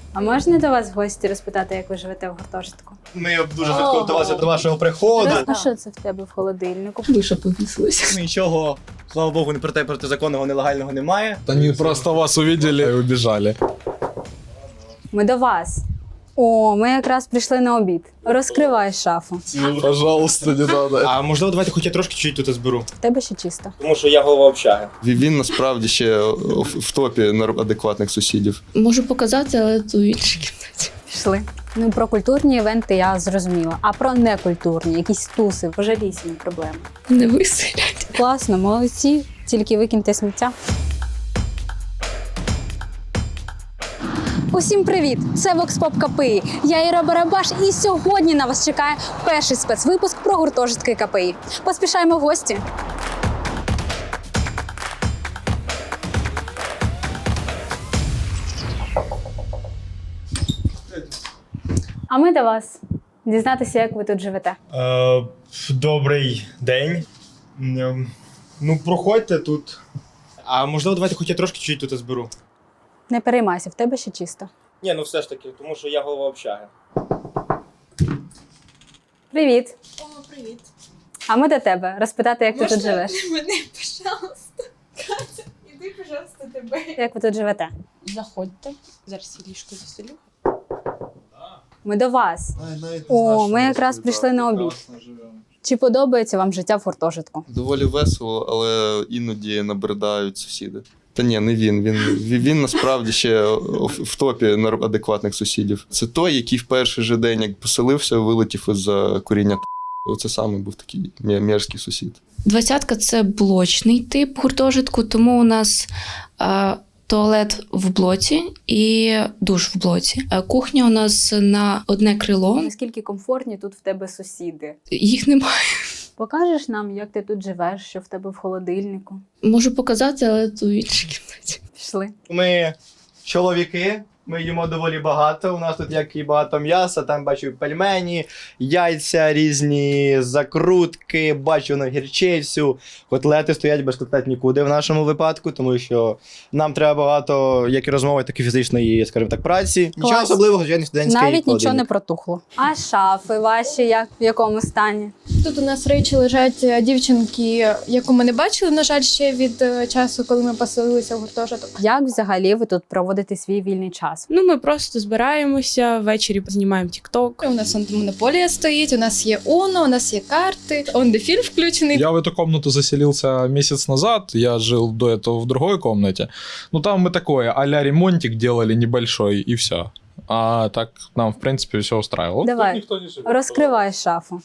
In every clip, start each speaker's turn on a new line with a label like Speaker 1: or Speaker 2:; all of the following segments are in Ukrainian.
Speaker 1: А можна до вас в гості розпитати, як ви живете в гуртожитку?
Speaker 2: Ми дуже готувалися до вашого приходу.
Speaker 1: А що це в тебе в холодильнику?
Speaker 3: Виша повісилась.
Speaker 2: Нічого, слава Богу, не протизаконного, нелегального немає.
Speaker 4: Они просто вас увидели и убежали.
Speaker 1: Ми до вас. О, ми якраз прийшли на обід. Розкривай шафу.
Speaker 4: Пожалуйста, не надо.
Speaker 2: А можливо, давайте хоч я трошки чуть тут зберу.
Speaker 1: В тебе ще чисто.
Speaker 2: Тому що я голова общаги.
Speaker 5: Він насправді ще в топі адекватних сусідів.
Speaker 3: Можу показати, але то в іншій кімнаті.
Speaker 1: Пішли. Ну, про культурні івенти я зрозуміла. А про некультурні, якісь туси, пожалісні проблеми.
Speaker 3: Не виселять.
Speaker 1: Класно, молодці. Тільки викиньте сміття. Усім привіт! Це Vox Pop КПІ. Я Іра Барабаш, і сьогодні на вас чекає перший спецвипуск про гуртожитки КПІ. Поспішаємо в гості. А ми до вас. Дізнатися, як ви тут живете.
Speaker 2: Добрий день. Ну, проходьте тут. А можливо, давайте хоч я трошки чуть тут зберу.
Speaker 1: Не переймайся, в тебе ще чисто.
Speaker 2: Ні, ну все ж таки, тому що я голова общаги.
Speaker 1: Привіт.
Speaker 6: О, привіт.
Speaker 1: А ми до тебе розпитати, як ти тут живеш.
Speaker 6: Мене, пожалуйста. Катя, іди, пожалуйста, тебе.
Speaker 1: Як ви тут живете?
Speaker 6: Заходьте. Зараз я ліжко заселю.
Speaker 1: Ми до вас. О, ми якраз прийшли на обід. Чи подобається вам життя в гуртожитку?
Speaker 5: Доволі весело, але іноді набридають сусіди. Та ні, не він. Він насправді ще в топі адекватних сусідів. Це той, який в перший же день, як поселився, вилетів із-за куріння. Оце саме був такий мерзкий сусід.
Speaker 3: 20-ка – це блочний тип гуртожитку, тому у нас туалет в блоці і душ в блоці. Кухня у нас на одне крило.
Speaker 1: Наскільки комфортні тут в тебе сусіди?
Speaker 3: Їх немає.
Speaker 1: Покажеш нам, як ти тут живеш, що в тебе в холодильнику?
Speaker 3: Можу показати, але то в іншій кімнаті.
Speaker 1: Пішли.
Speaker 2: Ми чоловіки, ми їмо доволі багато. У нас тут як і багато м'яса, там бачу пельмені, яйця різні, закрутки, бачу на гірчицю. Котлети стоять без котлет нікуди в нашому випадку, тому що нам треба багато як і розмови, так і фізичної, скажімо так, праці. Нічого
Speaker 1: Клас.
Speaker 2: особливого, звичайно, студентський
Speaker 1: Навіть нічого не
Speaker 2: холодильник.
Speaker 1: протухло. А шафи ваші в якому стані?
Speaker 6: Тут у нас речі лежать дівчинки, яку ми не бачили, на жаль, ще від часу, коли ми поселилися в гуртожиток.
Speaker 1: Як взагалі ви тут проводите свій вільний час?
Speaker 7: Ну, ми просто збираємося, ввечері знімаємо тік-ток.
Speaker 6: У нас монополія стоїть, у нас є Uno, у нас є карти, он де фільм включений.
Speaker 4: Я в эту комнату заселился месяц назад, я жил до этого в другой комнате. Ну там мы такое, а-ля ремонтик делали небольшой и все. А так нам, в принципе, все устраивало.
Speaker 1: Давай,
Speaker 4: Тут никто не живет.
Speaker 1: розкривай шафу.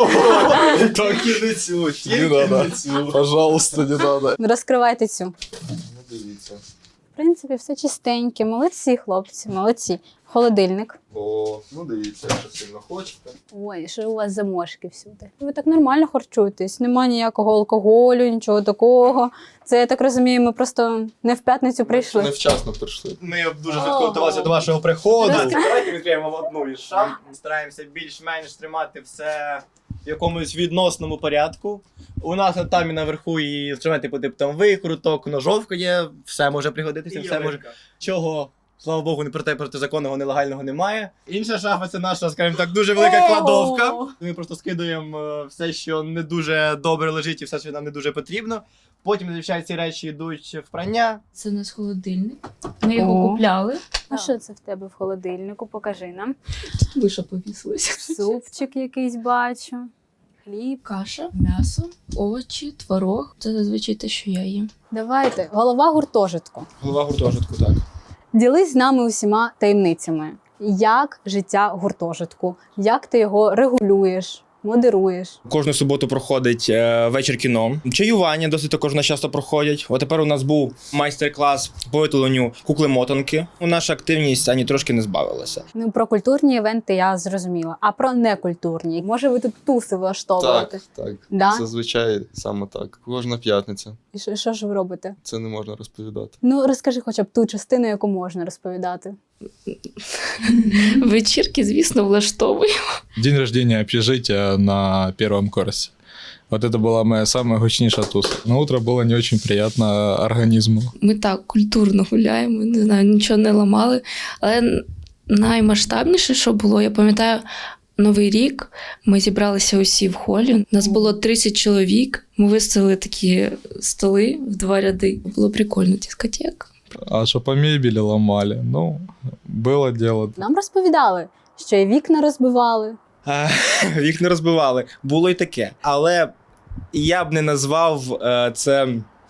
Speaker 2: Тільки не цю,
Speaker 4: Не
Speaker 2: тільки
Speaker 4: надо.
Speaker 2: не цю.
Speaker 4: Пожалуйста, не надо.
Speaker 1: Розкривайте цю.
Speaker 5: Ну, дивіться.
Speaker 1: В принципі, все чистеньке. Молодці, хлопці, молодці. Холодильник.
Speaker 5: О, ну дивіться, якщо сильно хочете.
Speaker 1: Ой, що у вас за мошки всюди? Ви так нормально харчуєтесь, нема ніякого алкоголю, нічого такого. Це, я так розумію, ми просто не в п'ятницю прийшли.
Speaker 5: Невчасно прийшли.
Speaker 2: Ми дуже готувалися до вашого приходу.
Speaker 1: Розкажи.
Speaker 2: Давайте відкриємо одну із шаф. Стараємося більш-менш тримати все в якомусь відносному порядку. У нас там і наверху і інструменти по типу там викруток, ножовка є, все може пригодитися, все може. Чого, слава Богу, не протизаконного, нелегального немає. Інша шафа це наша, скажімо так, дуже велика кладовка. Ми просто скидуємо все, що не дуже добре лежить і все, що нам не дуже потрібно. Потім, звичайно, ці речі йдуть в прання.
Speaker 3: Це у нас холодильник. Ми його
Speaker 1: О.
Speaker 3: купляли.
Speaker 1: А що це в тебе в холодильнику? Покажи нам.
Speaker 3: Виша повісилась.
Speaker 1: Супчик якийсь бачу. Хліб.
Speaker 3: Каша, м'ясо, овочі, творог. Це зазвичай те, що я їм.
Speaker 1: Давайте, голова гуртожитку.
Speaker 2: Голова гуртожитку, так.
Speaker 1: Ділись з нами усіма таємницями. Як життя гуртожитку? Як ти його регулюєш, модеруєш?
Speaker 8: Кожну суботу проходить вечір кіно. Чаювання досить також у нас часто проходять. От тепер у нас був майстер-клас по виготовленню кукли-мотанки. Наша активність ані трошки не збавилася.
Speaker 1: Ну, про культурні івенти я зрозуміла. А про некультурні? Може, ви тут туси влаштовуєте?
Speaker 5: Так.
Speaker 1: Да?
Speaker 5: Зазвичай саме так. Кожна п'ятниця.
Speaker 1: І що ж ви робите?
Speaker 5: Це не можна розповідати.
Speaker 1: Ну, розкажи хоча б ту частину, яку можна розповідати.
Speaker 3: Вечірки, звісно, влаштовую.
Speaker 4: День рождения общежития на первом курсе. Вот это была моя самая гучнейшая туса. На утро было не очень приятно организму.
Speaker 3: Ми так культурно гуляємо, не знаю, нічого не ламали. Але Наймасштабніше, що було, я пам'ятаю, Новий рік ми зібралися усі в холі. Нас було 30 чоловік. Ми виставили такі столи в 2 ряди. Було прикольно, дискотека.
Speaker 4: А что по мебели ломали? Ну, было дело.
Speaker 1: Нам розповідали, що і вікна розбивали.
Speaker 8: Вікна розбивали. Було й таке. Але я б не назвав це,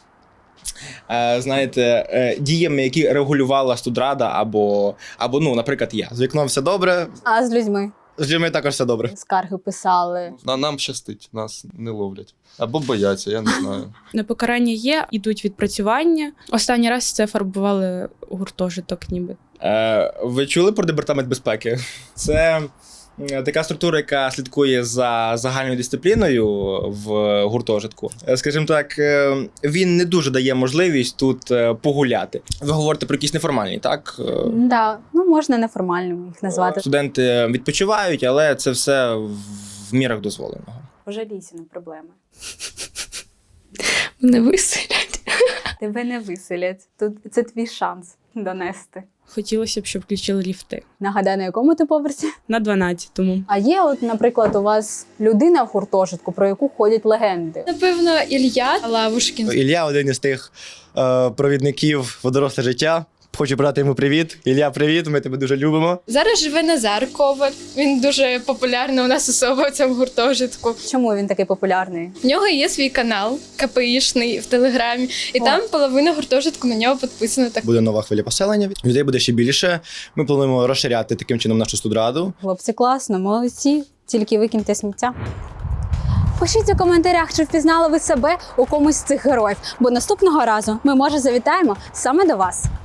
Speaker 8: знаєте, діями, які регулювала студрада або, ну, наприклад, я.
Speaker 2: З вікном все добре,
Speaker 1: А з людьми
Speaker 2: з людьми також все добре.
Speaker 1: скарги писали.
Speaker 5: Нам щастить, нас не ловлять. Або бояться, я не знаю.
Speaker 7: На покарання є, ідуть відпрацювання. Останній раз це фарбували гуртожиток ніби.
Speaker 8: Ви чули про департамент безпеки? Це така структура, яка слідкує за загальною дисципліною в гуртожитку. Скажімо так, він не дуже дає можливість тут погуляти. Ви говорите про якісь неформальні, так?
Speaker 1: Да, ну можна неформальними їх назвати.
Speaker 8: Студенти відпочивають, але це все в мірах дозволеного.
Speaker 1: Пожалійся на проблеми.
Speaker 3: Мене виселять.
Speaker 1: Тебе не виселять. Тут це твій шанс донести.
Speaker 7: Хотілося б, щоб включили ліфти.
Speaker 1: Нагадай, на якому ти поверсі?
Speaker 7: На 12-му.
Speaker 1: А є, от, наприклад, у вас людина в гуртожитку, про яку ходять легенди.
Speaker 6: Напевно, Ілля Лавушкін.
Speaker 2: Ілля один із тих провідників в доросле життя. Хочу брати йому привіт. Ілля, привіт, ми тебе дуже любимо.
Speaker 6: Зараз живе Назар Коваль. Він дуже популярна у нас особа в цьому гуртожитку.
Speaker 1: Чому він такий популярний?
Speaker 6: В нього є свій канал КПІшний в Телеграмі, і
Speaker 1: О.
Speaker 6: там половина гуртожитку на нього підписана. Так
Speaker 2: Буде нова хвиля поселення. Людей буде ще більше. Ми плануємо розширяти таким чином нашу студраду.
Speaker 1: Хлопці, класно, молодці, тільки викиньте сміття. Пишіть у коментарях, чи впізнали ви себе у комусь з цих героїв, бо наступного разу ми, може, завітаємо саме до вас.